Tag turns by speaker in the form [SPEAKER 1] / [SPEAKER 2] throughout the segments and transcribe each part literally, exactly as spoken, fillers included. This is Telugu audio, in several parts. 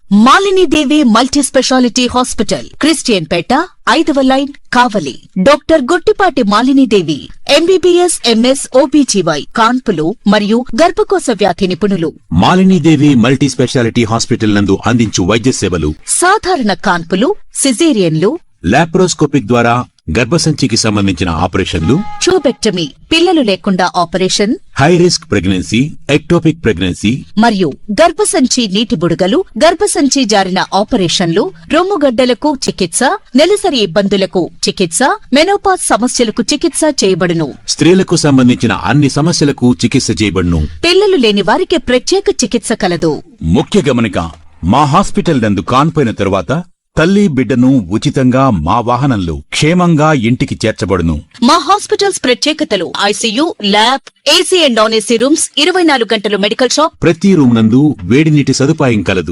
[SPEAKER 1] Malini Devi multi speciality hospital, Christian Peta, ఐదవ line, Kavali. Doctor Guttipati Malini Devi, MBBS, MS, OBGY, కాన్పులు మరియు గర్భకోశ వ్యాధి నిపుణులు.
[SPEAKER 2] Malini Devi multi speciality hospital నందు అందించు వైద్య సేవలు:
[SPEAKER 1] సాధారణ కాన్పులు, సిజేరియన్లు,
[SPEAKER 2] లాప్రోస్కోపిక్ ద్వారా గర్భసంచికి సంబంధించిన ఆపరేషన్లు,
[SPEAKER 1] ట్యూబెక్టమీ, పిల్లలు లేకుండా operation,
[SPEAKER 2] high risk pregnancy, ectopic pregnancy
[SPEAKER 1] మరియు గర్భసంచి నీటి బుడగలు, గర్భసంచి జారిన ఆపరేషన్లు, రొమ్ముగడ్డలకు చికిత్స, నెలసరి ఇబ్బందులకు చికిత్స, మెనోపాజ్ సమస్యలకు చికిత్స చేయబడును.
[SPEAKER 2] స్త్రీలకు సంబంధించిన అన్ని సమస్యలకు చికిత్స చేయబడును.
[SPEAKER 1] పిల్లలు లేని వారికి ప్రత్యేక చికిత్స కలదు.
[SPEAKER 2] ముఖ్య గమనిక: మా హాస్పిటల్ నందు కాన్పోయిన తరువాత తల్లి బిడ్డను ఉచితంగా మా వాహనంలో క్షేమంగా ఇంటికి చేర్చబడును.
[SPEAKER 1] మా హాస్పిటల్స్ ప్రత్యేకతలు: ICU, lab, AC and non AC rooms, ఇరవై నాలుగు గంటలు మెడికల్ షాప్,
[SPEAKER 2] ప్రతి రూమ్ నందు వేడి నీటి సదుపాయం కలదు.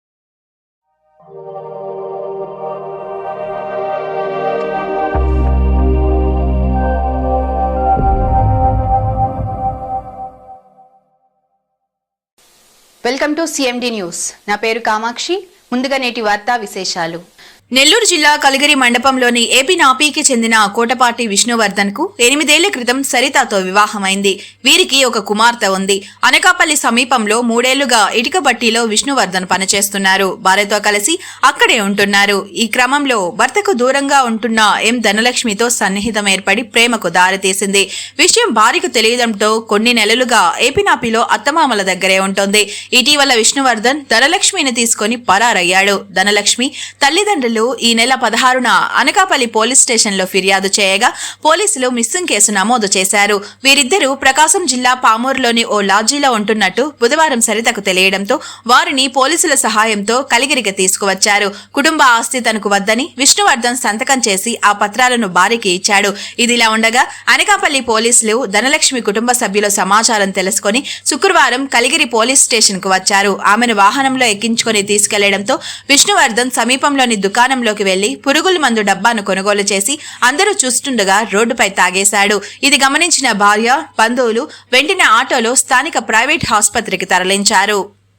[SPEAKER 3] Welcome to CMD news. నా పేరు కామాక్షి. ముందుగా నేటి వార్తా విశేషాలు.
[SPEAKER 4] నెల్లూరు జిల్లా కలిగిరి మండపంలోని ఏపీ నాపీకి చెందిన కోటపాటి విష్ణువర్ధన్ కు ఎనిమిదేళ్ల క్రితం సరితతో వివాహమైంది. వీరికి ఒక కుమార్తె ఉంది. అనకాపల్లి సమీపంలో మూడేళ్లుగా ఇటుక బట్టీలో విష్ణువర్ధన్ పనిచేస్తున్నారు. భార్యతో కలిసి అక్కడే ఉంటున్నారు. ఈ క్రమంలో భర్తకు దూరంగా ఉంటున్న ఎం ధనలక్ష్మితో సన్నిహితం ఏర్పడి ప్రేమకు దారితీసింది. విషయం భార్యకు తెలియడంతో కొన్ని నెలలుగా ఏపీ నాపీలో అత్తమామల దగ్గరే ఉంటుంది. ఇటీవల విష్ణువర్ధన్ ధనలక్ష్మిని తీసుకుని పరారయ్యాడు. ధనలక్ష్మి తల్లిదండ్రులు ఈ నెల పదహారున అనకాపల్లి పోలీస్ స్టేషన్ లో ఫిర్యాదు చేయగా పోలీసులు మిస్సింగ్ కేసు నమోదు చేశారు. వీరిద్దరూ ప్రకాశం జిల్లా పామూరులోని ఓ లాడ్జీలో ఉంటున్నట్టు బుధవారం సరితకు తెలియడంతో వారిని పోలీసుల సహాయంతో కలిగిరికి తీసుకువచ్చారు. కుటుంబ ఆస్తి తనకు వద్దని విష్ణువర్ధన్ సంతకం చేసి ఆ పత్రాలను భార్యకి ఇచ్చాడు. ఇదిలా ఉండగా అనకాపల్లి పోలీసులు ధనలక్ష్మి కుటుంబ సభ్యుల సమాచారం తెలుసుకుని శుక్రవారం కలిగిరి పోలీస్ స్టేషన్ కు వచ్చారు. ఆమెను వాహనంలో ఎక్కించుకుని తీసుకెళ్లడంతో విష్ణువర్ధన్ సమీపంలోని దుకాణం లోకి వెళ్లి పురుగుల మందు డబ్బాను కొనుగోలు చేసి అందరూ చూస్తుండగా రోడ్డుపై తాగేశాడు. ఇది గమనించిన భార్య, బంధువులు వెంటనే ఆటోలో స్థానిక ప్రైవేట్ ఆసుపత్రికి తరలించారు.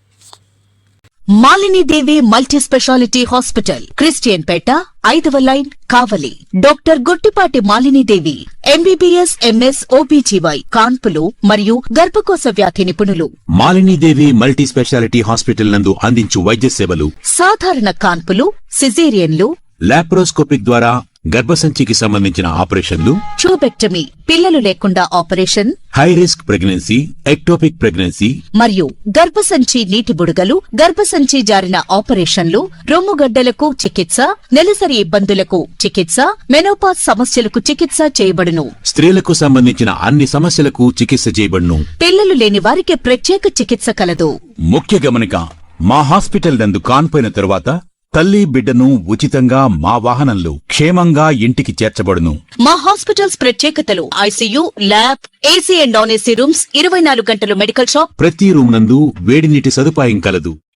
[SPEAKER 1] Malini Devi multi speciality hospital, Christian Peta, ఐదవ line, Kavali. Doctor Guttipati Malini Devi, MBBS, MS, OBGY, కాన్పులు మరియు గర్భకోశ వ్యాధి నిపుణులు.
[SPEAKER 2] Malini Devi multi speciality hospital నందు అందించు వైద్య సేవలు:
[SPEAKER 1] సాధారణ కాన్పులు, సిజేరియన్లు,
[SPEAKER 2] లాప్రోస్కోపిక్ ద్వారా గర్భసంచికి సంబంధించిన ఆపరేషన్లు,
[SPEAKER 1] ట్యూబెక్టమీ, పిల్లలు లేకుండా operation,
[SPEAKER 2] high risk pregnancy, ectopic pregnancy
[SPEAKER 1] మరియు గర్భసంచి నీటి బుడగలు, గర్భసంచి జారిన ఆపరేషన్లు, రొమ్ముగడ్డలకు చికిత్స, నెలసరి ఇబ్బందులకు చికిత్స, మెనోపాజ్ సమస్యలకు చికిత్స చేయబడును.
[SPEAKER 2] స్త్రీలకు సంబంధించిన అన్ని సమస్యలకు చికిత్స చేయబడును.
[SPEAKER 1] పిల్లలు లేని వారికి ప్రత్యేక చికిత్స కలదు.
[SPEAKER 2] ముఖ్య గమనిక: మా హాస్పిటల్ నందు కాన్పోయిన తరువాత తల్లి బిడ్డను ఉచితంగా మా వాహనంలో క్షేమంగా ఇంటికి చేర్చబడును.
[SPEAKER 1] మా హాస్పిటల్స్ ప్రత్యేకతలు: ICU, lab, AC and non AC rooms, ఇరవై నాలుగు గంటలు మెడికల్ షాప్,
[SPEAKER 2] ప్రతి రూమ్ నందు వేడి నీటి సదుపాయం కలదు.